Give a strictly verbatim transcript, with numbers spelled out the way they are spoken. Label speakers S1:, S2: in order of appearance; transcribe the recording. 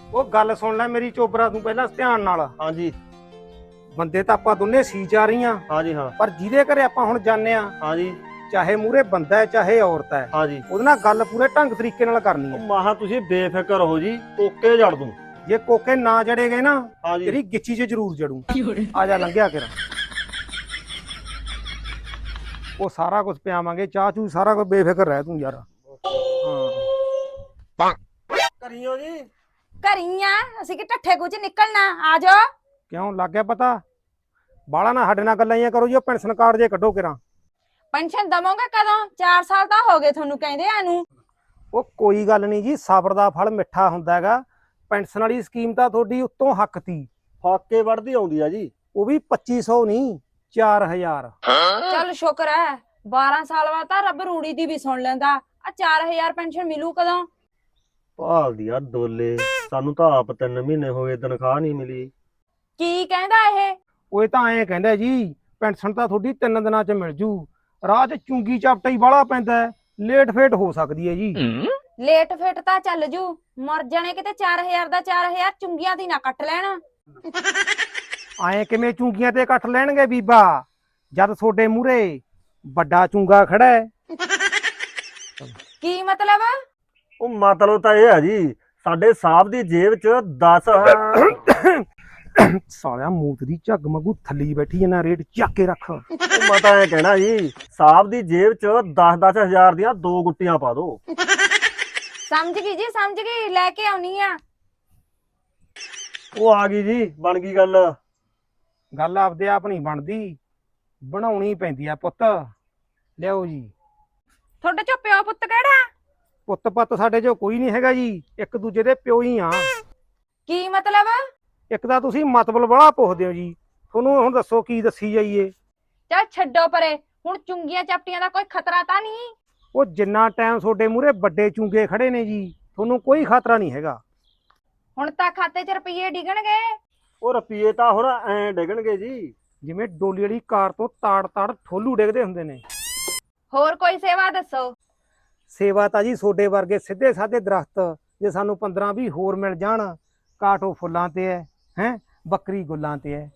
S1: ਉਹ ਗੱਲ ਸੁਣ ਲੈ ਮੇਰੀ ਚੋਬਰਾ ਤੂੰ ਪਹਿਲਾਂ ਧਿਆਨ ਨਾਲ।
S2: ਹਾਂਜੀ
S1: ਬੰਦੇ ਤਾਂ ਆਪਾਂ ਦੋਨੇ ਸੀ ਜਾ ਰਹੀਆਂ,
S2: ਹਾਂਜੀ ਹਾਂ
S1: ਪਰ ਜਿਹਦੇ ਘਰੇ ਆਪਾਂ ਹੁਣ ਜਾਂਦੇ ਆ,
S2: ਹਾਂਜੀ
S1: ਚਾਹੇ ਮੂਰੇ ਬੰਦਾ ਹੈ ਚਾਹੇ ਔਰਤ ਹੈ,
S2: ਹਾਂਜੀ
S1: ਉਹਦੇ ਨਾਲ ਗੱਲ ਪੂਰੇ ਢੰਗ ਤਰੀਕੇ ਨਾਲ ਕਰਨੀ
S2: ਉਹ
S1: ਹੈ।
S2: ਮਾਹਾ ਤੁਸੀਂ ਬੇਫਿਕਰ ਹੋ ਜੀ, ਕੋਕੇ ਜੜ ਦੂੰ।
S1: ਜੇ ਕੋਕੇ ਨਾ ਜੜੇ ਗਏ ਨਾ,
S2: ਹਾਂਜੀ
S1: ਤੇਰੀ ਗਿੱਚੀ 'ਚ ਜ਼ਰੂਰ ਜੜੂ। ਆ ਜਾ ਲੰਘਿਆ ਕਰ, ਉਹ ਸਾਰਾ ਕੁਝ ਪਿਆਵਾਂਗੇ, ਚਾਹ ਚੂ ਸਾਰਾ ਕੁਝ, ਬੇਫਿਕਰ ਰਹਿ ਤੂੰ ਯਾਰ। ਹਾਂ
S2: ਕਰੀਓ ਜੀ।
S3: ਘਰੀਆਂ ਅਸੀਂ ਕਿ ਠੱਠੇ ਕੁਝ ਨਿਕਲਣਾ। ਆ ਜਾ।
S1: ਕਿਉਂ ਲੱਗ ਗਿਆ ਪਤਾ? ਬਾਲਾ ਨਾ ਸਾਡੇ ਨਾਲ ਗੱਲਾਂ ਹੀ ਕਰੋ ਜੀ। ਉਹ ਪੈਨਸ਼ਨ ਕਾਰਡ ਜੇ ਕੱਢੋ ਕਿਰਾਂ।
S3: ਪੈਨਸ਼ਨ ਦਵੋਗੇ ਕਦੋਂ? ਚਾਰ ਸਾਲ ਤਾਂ ਹੋ ਗਏ ਤੁਹਾਨੂੰ ਕਹਿੰਦੇ ਆ ਨੂੰ।
S1: ਉਹ ਕੋਈ ਗੱਲ ਨਹੀਂ ਜੀ, ਸਬਰ ਦਾ ਫਲ ਮਿੱਠਾ ਹੁੰਦਾ ਹੈਗਾ। ਪੈਨਸ਼ਨ ਵਾਲੀ ਸਕੀਮ ਤਾਂ ਤੁਹਾਡੀ ਉੱਤੋਂ ਹੱਕ ਤੀ,
S2: ਫਾਕੇ ਵੜਦੀ ਆਉਂਦੀ ਆ ਜੀ।
S1: ਉਹ ਵੀ ਪੱਚੀ ਸੌ ਨਹੀਂ, ਚਾਰ ਹਜ਼ਾਰ।
S3: ਚੱਲ ਸ਼ੁਕਰ ਹੈ, ਬਾਰਾਂ ਸਾਲ ਬਾਅਦ ਤਾਂ ਰੱਬ ਰੂੜੀ ਦੀ ਵੀ ਸੁਣ ਲੈਂਦਾ। ਆ ਚਾਰ ਹਜ਼ਾਰ ਪੈਨਸ਼ਨ ਮਿਲੂ ਕਦੋਂ?
S2: ਭਾਲਦੀ ਆ ਡੋਲੇ, ਸਾਨੂੰ ਤਾਂ ਆਪ ਤਿੰਨ ਮਹੀਨੇ ਹੋ ਗਏ ਤਨਖਾਹ ਨਹੀਂ ਮਿਲੀ।
S3: ਕੀ ਕਹਿੰਦਾ ਇਹ?
S1: ਉਹ ਇਹ ਤਾਂ ਐਂ ਕਹਿੰਦਾ ਜੀ, ਪੈਨਸ਼ਨ ਤਾਂ ਤੁਹਾਡੀ ਤਿੰਨ ਦਿਨਾਂ 'ਚ ਮਿਲ ਜੂ। ਰਾਹ 'ਚ ਚੁੰਗੀ ਚਾਪਟਾ ਹੀ ਬਾਹਲਾ ਪੈਂਦਾ, ਲੇਟ ਫੇਟ ਹੋ ਸਕਦੀ ਹੈ ਜੀ।
S3: ਲੇਟ ਫੇਟ ਤਾਂ ਚੱਲ ਜੂ, ਮਰ ਜਾਣੇ ਕਿਤੇ। ਚਾਰ ਹਜ਼ਾਰ ਦਾ ਚਾਰ ਹਜ਼ਾਰ ਚੁੰਗੀਆਂ ਦੀ ਨਾ ਕੱਟ ਲੈਣ।
S1: ਐਂ ਕਿਵੇਂ ਚੁੰਗੀਆਂ ਤੇ ਕੱਟ ਲੈਣਗੇ ਬੀਬਾ, ਜਦ ਤੁਹਾਡੇ ਮੂਹਰੇ ਵੱਡਾ ਚੁੰਗਾ ਖੜਾ ਹੈ।
S3: ਕੀ ਮਤਲਬ?
S2: ਉਹ ਮਤਲਬ ਤਾਂ ਇਹ ਆ ਜੀ, ਸਾਡੇ ਸਾਹਿਬ ਦੀ ਜੇਬ 'ਚ ਦਸ
S1: ਸਾਲਿਆ ਮੂਤ ਦੀ ਝੱਗ ਵਾਂਗੂ ਥੱਲੀ ਬੈਠੀ ਇਹਨਾਂ ਰੇਟ ਚੱਕ ਕੇ ਰੱਖ।
S2: ਮੈਂ ਤਾਂ ਇਹ ਕਹਿਣਾ ਜੀ, ਸਾਹਿਬ ਦੀ ਜੇਬ 'ਚ ਦਸ ਦਸ ਹਜ਼ਾਰ ਦੀਆਂ ਦੋ ਗੁੱਟੀਆਂ ਪਾ ਦੋ।
S3: ਸਮਝ ਗਈ ਜੀ, ਸਮਝ ਗਈ। ਲੈ ਕੇ ਆਉਣੀ ਆ।
S2: ਉਹ ਆ ਗਈ ਜੀ, ਬਣ ਗਈ ਗੱਲ।
S1: ਗੱਲ ਆਪਦੇ ਆਪ ਨਹੀਂ ਬਣਦੀ, ਬਣਾਉਣੀ ਪੈਂਦੀ ਆ ਪੁੱਤ। ਲਿਆਓ ਜੀ।
S3: ਤੁਹਾਡੇ ਚੋਂ ਪਿਓ ਪੁੱਤ ਕਿਹੜਾ?
S1: ਪੁੱਤ ਪੱਤ ਸਾਡੇ ਚੋਂ ਕੋਈ ਨਹੀਂ ਹੈਗਾ ਜੀ, ਇੱਕ ਦੂਜੇ ਦੇ ਪਿਓ ਹੀ ਆ।
S3: ਕੀ ਮਤਲਬ?
S1: ਇੱਕ ਤਾਂ ਤੁਸੀਂ ਮਤਲਬ ਬੜਾ ਪੁੱਛਦੇ ਹੋ ਜੀ, ਤੁਹਾਨੂੰ ਹੁਣ ਦੱਸੋ ਕੀ ਦੱਸੀ ਜਾਈਏ।
S3: ਚੱਲ ਛੱਡੋ ਪਰੇ, ਹੁਣ ਚੁੰਗੀਆਂ ਚਾਪਟੀਆਂ ਦਾ ਕੋਈ ਖਤਰਾ ਤਾਂ ਨਹੀਂ?
S1: ਉਹ ਜਿੰਨਾ ਟਾਈਮ ਤੁਹਾਡੇ ਮੂਹਰੇ ਵੱਡੇ ਚੁੰਗੇ ਖੜੇ ਨੇ ਜੀ, ਤੁਹਾਨੂੰ ਕੋਈ ਖਤਰਾ ਨਹੀਂ ਹੈਗਾ।
S3: ਹੁਣ ਤਾਂ ਖਾਤੇ 'ਚ ਰੁਪਈਏ ਡਿੱਗਣਗੇ।
S2: ਉਹ ਰੁਪਈਏ ਤਾਂ ਹੁਣ ਐਂ ਡਿੱਗਣਗੇ ਜੀ,
S1: ਜਿਵੇਂ ਡੋਲੀ ਵਾਲੀ ਕਾਰ ਤੋਂ ਤਾੜ ਤਾੜ ਠੋਲੂ ਡਿੱਗਦੇ ਹੁੰਦੇ ਨੇ।
S3: ਹੋਰ ਕੋਈ ਸੇਵਾ ਦੱਸੋ।
S1: ਸੇਵਾ ਤਾਂ ਜੀ ਤੁਹਾਡੇ ਵਰਗੇ ਸਿੱਧੇ ਸਾਧੇ ਦਰਖਤ ਜੇ ਸਾਨੂੰ ਪੰਦਰਾਂ ਵੀਹ ਹੋਰ ਮਿਲ ਜਾਣ, ਕਾਟੋ ਫੁੱਲਾਂ ਤੇ ਹੈ, ਹੈ ਬੱਕਰੀ ਗੁੱਲਾਂ ਤੇ ਹੈ,